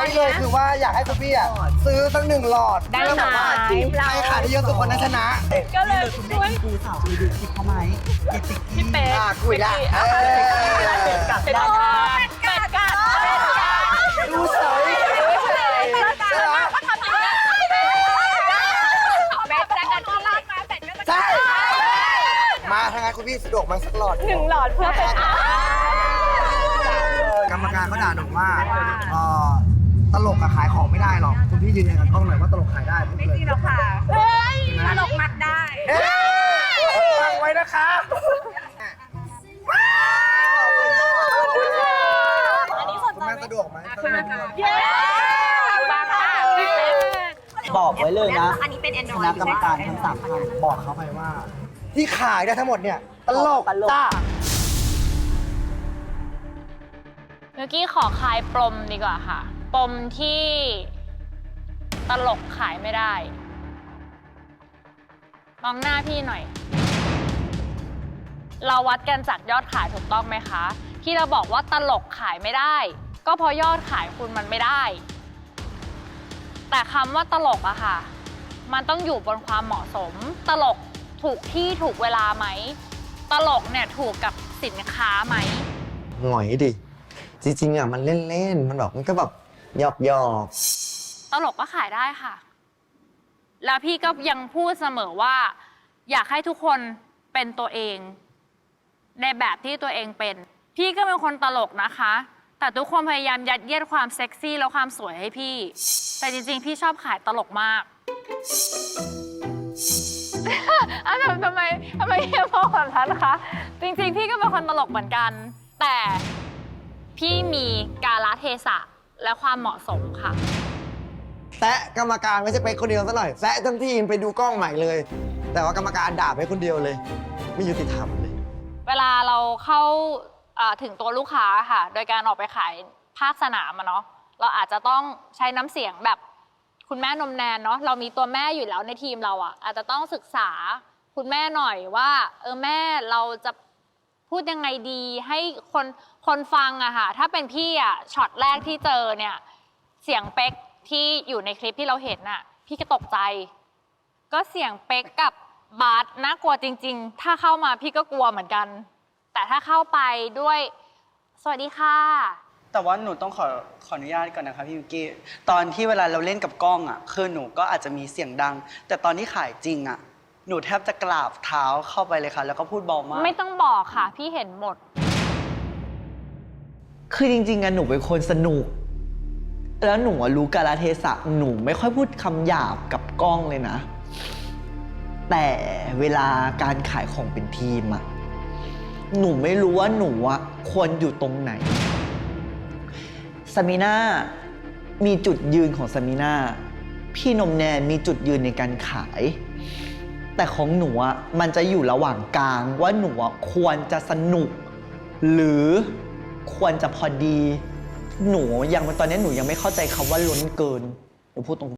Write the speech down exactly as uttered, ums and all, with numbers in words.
นี้เลยคือว่าอยากให้คุณพี่อ่ะซื้อสักหนึ่งหลอดได้ไหมแบบว่าใครขายได้เยอะสุดคนนั้นชนะก็เลยช่วยกูสาวไปดูคลิปเขาไหมเจติกพี่เป๊กอ่ะคุยละเออเป็นกัดเป็ดกัดเป็ดกัดดูเสยใช่ไหมเป็ดกัดที่ลากมาเป็ดก็จะใช่ มาทางงานคุณพี่สะดวกไหมสักหลอดหนึ่งหลอดเพื่อเป็นกรรมการเขาด่าหนูว่าเอ่อตลกอะขายของไม่ได้หรอกคุณพี่ยืนยันกับกล้องหน่อยว่าตลกขายได้พูดเลยจริงแล้วค่ะเฮ้ยตลกมัดได้เอ๊ะฟังไว้นะคะอันนี้สนคุณใจแม่สะดวกไหมเย้มาค่ะพี่เป๊กบอกไว้เลยนะอันนี้เป็นแอนดครอยณะด์กรรมการทั้งสามท่านบอกเขาไปว่า ที่ขายได้ทั้งหมดเนี่ยตลกตลกจ้าเมื่อกี้ขอคลายปมดีกว่าค่ะ ปมที่ตลกขายไม่ได้ มองหน้าพี่หน่อย เราวัดกันจากยอดขายถูกต้องไหมคะ ที่เราบอกว่าตลกขายไม่ได้ ก็เพราะยอดขายคุณมันไม่ได้ แต่คำว่าตลกอะค่ะ มันต้องอยู่บนความเหมาะสม ตลกถูกที่ถูกเวลาไหม ตลกเนี่ยถูกกับสินค้าไหมหงอยดิ จริงๆอ่ะมันเล่นๆ มันแบบมันก็แบบหยอกหยอกตลกก็ขายได้ค่ะ แล้วพี่ก็ยังพูดเสมอว่า อยากให้ทุกคนเป็นตัวเอง ในแบบที่ตัวเองเป็น พี่ก็เป็นคนตลกนะคะ แต่ทุกคนพยายามยัดเยียดความเซ็กซี่แล้วความสวยให้พี่ แต่จริงๆ พี่ชอบขายตลกมาก อ้าวทำไมทำไมเฮียมองแบบนั้นนะคะ จริงๆ พี่ก็เป็นคนตลกเหมือนกัน แต่พี่มีกาลเทศะและความเหมาะสมค่ะแซะกรรมการไม่ใช่ไปคนเดียวซะหน่อยแซะทั้งทีมไปดูกล้องใหม่เลย แต่ว่ากรรมการด่าไปคนเดียวเลย ไม่ยุติธรรมเลยเวลาเราเข้าเอ่อถึงตัวลูกค้าค่ะ โดยการออกไปขายภาคสนามอะเนาะ เราอาจจะต้องใช้น้ำเสียงแบบคุณแม่นมแนนเนาะ เรามีตัวแม่อยู่แล้วในทีมเราอะอาจจะต้องศึกษาคุณแม่หน่อยว่าเออแม่เราจะพูดยังไงดีให้คนคนฟังอะค่ะ ถ้าเป็นพี่อะช็อตแรกที่เจอเนี่ยเสียงเป๊กที่อยู่ในคลิปที่เราเห็นอะพี่ก็ตกใจ ก็เสียงเป๊กกับบาสน่ากลัวจริงๆ ถ้าเข้ามาพี่ก็กลัวเหมือนกัน แต่ถ้าเข้าไปด้วยสวัสดีค่ะแต่ว่าหนูต้องขอขออนุญาตก่อนนะคะพี่วิกกี้ตอนที่เวลาเราเล่นกับกล้องอ่ะคือหนูก็อาจจะมีเสียงดัง แต่ตอนที่ขายจริงอ่ะหนูแทบจะกราบเท้าเข้าไปเลยค่ะ แล้วก็พูดเบามากไม่ต้องบอกค่ะ พี่เห็นหมดคือจริงๆอะหนูเป็นคนสนุก แล้วหนูอะรู้กาลเทศะหนูไม่ค่อยพูดคำหยาบกับกล้องเลยนะ แต่เวลาการขายของเป็นทีมอะหนูไม่รู้ว่าหนูอะควรอยู่ตรงไหนสมิน่ามีจุดยืนของสมิน่าพี่นมแนนมีจุดยืนในการขาย แต่ของหนูอะมันจะอยู่ระหว่างกลางว่าหนูอะควรจะสนุก หรือควรจะพอดี หนูยังตอนนี้หนูยังไม่เข้าใจคำว่าล้นเกินหนูพูดตรง